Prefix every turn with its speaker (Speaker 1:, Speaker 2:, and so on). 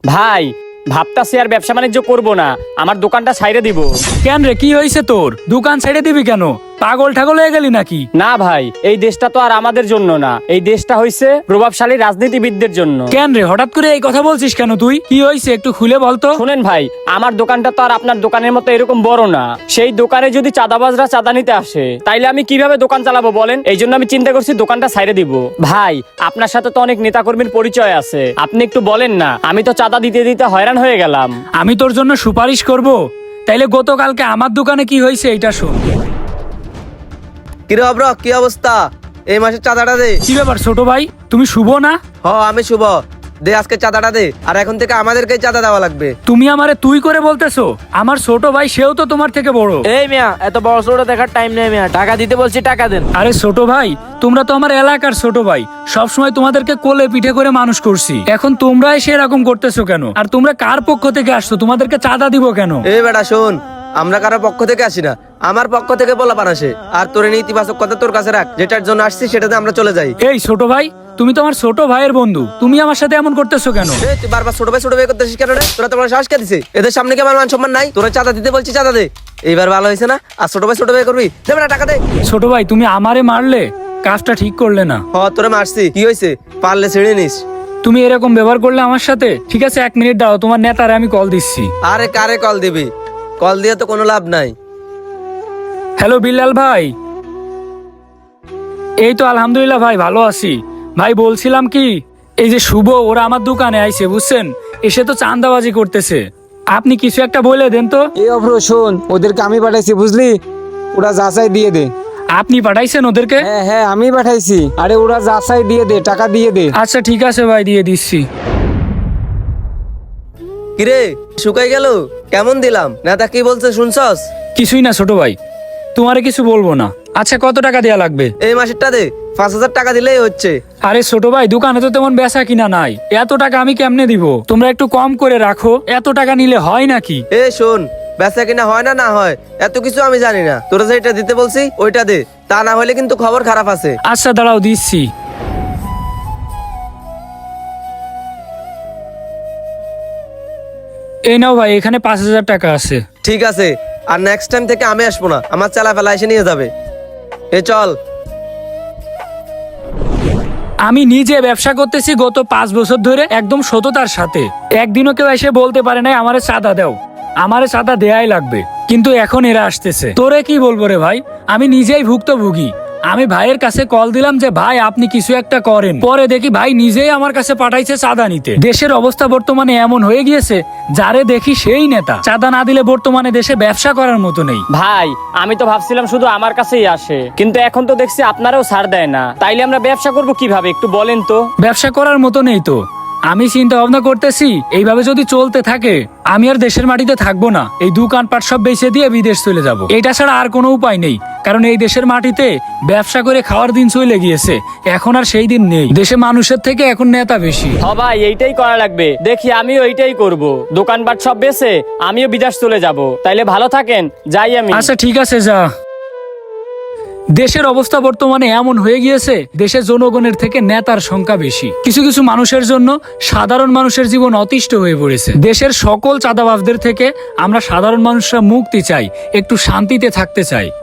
Speaker 1: ভাই ভাবতাছি আর ব্যবসা বাণিজ্য করবো না, আমার দোকানটা ছাইড়ে দিব।
Speaker 2: কেন রে, কি হয়েছে তোর? দোকান ছেড়ে দিবি কেন? পাগল ঠাগল হয়ে গেলি নাকি?
Speaker 1: না ভাই, এই দেশটা তো আর আমাদের জন্য না, এই দেশটা হইছে প্রভাবশালী রাজনীতিবিদদের জন্য।
Speaker 2: কেন রে, হঠাৎ করে এই কথা বলছিস কেন তুই? কি হয়েছে একটু খুলে বলতো।
Speaker 1: শুনেন ভাই, আমার দোকানটা তো আর আপনার দোকানের মতো এরকম বড় না। সেই দোকানে যদি চাঁদাবাজরা চাঁদা নিতে আসে, তাইলে আমি কিভাবে দোকান চালাবো বলেন? এই জন্য আমি চিন্তা করছি দোকানটা ছাইড়ে দিব। ভাই আপনার সাথে তো অনেক নেতাকর্মীর পরিচয় আছে, আপনি একটু বলেন না, আমি তো চাঁদা দিতে দিতে হয়রান হয়ে গেলাম।
Speaker 2: আমি তোর জন্য সুপারিশ করব। তাইলে গতকালকে আমার দোকানে কি হয়েছে এটা শোন।
Speaker 3: কিরে অব্র, কি অবস্থা? এই মাসের চাঁদাটা দে।
Speaker 2: কি ব্যাপার ছোট ভাই, তুমি শুভ না?
Speaker 3: আমি শুভ। দে আজকে চাঁদাটা দে, আর এখন থেকে আমাদেরকেই চাঁদা দেওয়া লাগবে।
Speaker 2: তুমি আমারে তুই করে বলতেছো? আমার ছোট ভাই, সেও তো তোমার থেকে বড়।
Speaker 4: এই মিয়া, এত বড় ছোট দেখার টাইম নেই মিয়া, টাকা দিতে বলছি টাকা দেন।
Speaker 2: আরে ছোট ভাই, তোমরা তো আমার এলাকার ছোট ভাই, সবসময় তোমাদেরকে কোলে পিঠে করে মানুষ করছি। এখন তোমরা এসে এরকম করতেছো কেন? আর তোমরা কার পক্ষ থেকে আসছো? তোমাদেরকে চাঁদা দিব কেন?
Speaker 3: এই বেটা শোন, আমরা কারো পক্ষ থেকে আসি না, আমার পক্ষ থেকে বলা আসে। আর তোর এই ইতিবাচক কথা তোর কাছে রাখ, যেটার জন্য আসছি সেটাতে আমরা চলে যাই।
Speaker 2: এই ছোট ভাই, তুমি তো আমার ছোট ভাইয়ের বন্ধু, তুমি আমার সাথে এমন করতেছো কেন?
Speaker 3: এই তুই বারবার ছোট ভাই করতেছিস কেন রে? তোরা তোমার সাহস কে দিছে? এদের সামনে কি আমার মান সম্মান নাই? তোরা চাঁদা দিতে বলছি, চাঁদা দে। এইবার ভালো হয়েছে না? আর ছোট ভাই করবি? দে বেটা টাকা দে।
Speaker 2: ছোট ভাই, তুমি আমারে মারলে, কাজটা ঠিক করলে না।
Speaker 3: তোরা মারছি, কি হয়েছে? পারলে ছেড়ে নিস।
Speaker 2: তুমি এরকম ব্যবহার করলে আমার সাথে? ঠিক আছে, 1 মিনিট দাও, তোমার নেতারে আমি কল দিচ্ছি।
Speaker 3: আরে কারে কল দিবি? কল দিয়ে তো কোনো লাভ নাই।
Speaker 2: হ্যালো বিল্লাল ভাই। এই তো আলহামদুলিল্লাহ ভাই, ভালো আছি। ভাই বলছিলাম কি, এই যে শুভ, ওরা আমার দোকানে আইছে বুঝছেন, এসে তো চাঁদাবাজি করতেছে। আপনি কিছু একটা বলে দেন তো।
Speaker 5: এই অভ্র শোন, ওদেরকে আমি পাঠাইছি বুঝলি, ওরা যাচাই দিয়ে দে।
Speaker 2: আপনি পাঠাইছেন ওদেরকে?
Speaker 5: হ্যাঁ হ্যাঁ, আমি পাঠাইছি। আরে ওরা যাচাই দিয়ে দে, টাকা দিয়ে দে।
Speaker 2: আচ্ছা ঠিক আছে ভাই, দিয়ে দিচ্ছি।
Speaker 3: কিরে শুকাই গেল? কেমন দিলাম? নেতা কি বলছে শুনছস?
Speaker 2: কিছুই না ছোট ভাই, তোমারে কিছু বলবো না। আচ্ছা কত টাকা দেয়া লাগবে?
Speaker 3: এই মাসেরটা দে, 5,000 টাকা দিলেই হচ্ছে।
Speaker 2: আরে ছোট ভাই, দোকানে তো তেমন বেচা কিনা নাই, এত টাকা আমি কেমনে দিব? তোমরা একটু কম করে রাখো, এত টাকা নিলে হয় নাকি?
Speaker 3: শোন, বেচা কিনা হয় না হয় এত কিছু আমি জানি না। তোরা যেটা দিতে বলছি ওইটা দে, তা না হলে কিন্তু খবর খারাপ আছে।
Speaker 2: আচ্ছা দাঁড়াও, দিচ্ছি। এই নাও ভাই, এখানে 5,000 টাকা আছে।
Speaker 3: ঠিক আছে, আর নেক্সট টাইম থেকে আমি আসবো না, আমার চালা ফেলা এসে নিয়ে যাবে। চল।
Speaker 2: আমি নিজে ব্যবসা করতেছি গত 5 বছর ধরে, একদম সততার সাথে। একদিনও কেউ এসে বলতে পারে নাই আমারে চাঁদা দাও, আমারে চাঁদা দেয়াই লাগবে। কিন্তু এখন এরা আসতেছে, তোরে কি বলবো রে ভাই, আমি নিজেই ভুক্তভোগী। আমি ভাইয়ের কাছে কল দিলাম যে ভাই আপনি কিছু একটা করেন, পরে দেখি ভাই নিজেই আমার কাছে পাঠাইছে চাঁদা নিতে। দেশের অবস্থা বর্তমানে এমন হয়ে গিয়েছে, যারে দেখি সেই নেতা। চাঁদা না দিলে বর্তমানে দেশে ব্যবসা করার মতো নেই।
Speaker 1: ভাই আমি তো ভাবছিলাম শুধু আমার কাছেই আসে, কিন্তু এখন তো দেখছি আপনারাও ছাড় দেয় না। তাইলে আমরা ব্যবসা করব কিভাবে একটু বলেন তো?
Speaker 2: ব্যবসা করার মতো নেই তো। আমি চিন্তা ভাবনা করতেছি, এইভাবে যদি চলতে থাকে আমি আর দেশের মাটিতে থাকবো না। এই দোকানপাট সব বেচে দিয়ে বিদেশ চলে যাব। এটা ছাড়া আর কোনো উপায় নেই, কারণ এই দেশের মাটিতে ব্যবসা করে খাওয়ার দিন চলে গিয়েছে, এখন আর সেই দিন নেই। দেশে মানুষের থেকে এখন নেতা বেশি।
Speaker 1: ভাই এইটাই করা লাগবে, দেখি আমিও এইটাই করব। দোকানপাট সব বেচে আমিও বিদেশ চলে যাব। তাইলে ভালো থাকেন, যাই আমি।
Speaker 2: আচ্ছা ঠিক আছে, যা। দেশের অবস্থা বর্তমানে এমন হয়ে গিয়েছে, দেশের জনগণের থেকে নেতার সংখ্যা বেশি। কিছু কিছু মানুষের জন্য সাধারণ মানুষের জীবন অতিষ্ঠ হয়ে পড়েছে। দেশের সকল চাঁদাবাজদের থেকে আমরা সাধারণ মানুষরা মুক্তি চাই, একটু শান্তিতে থাকতে চাই।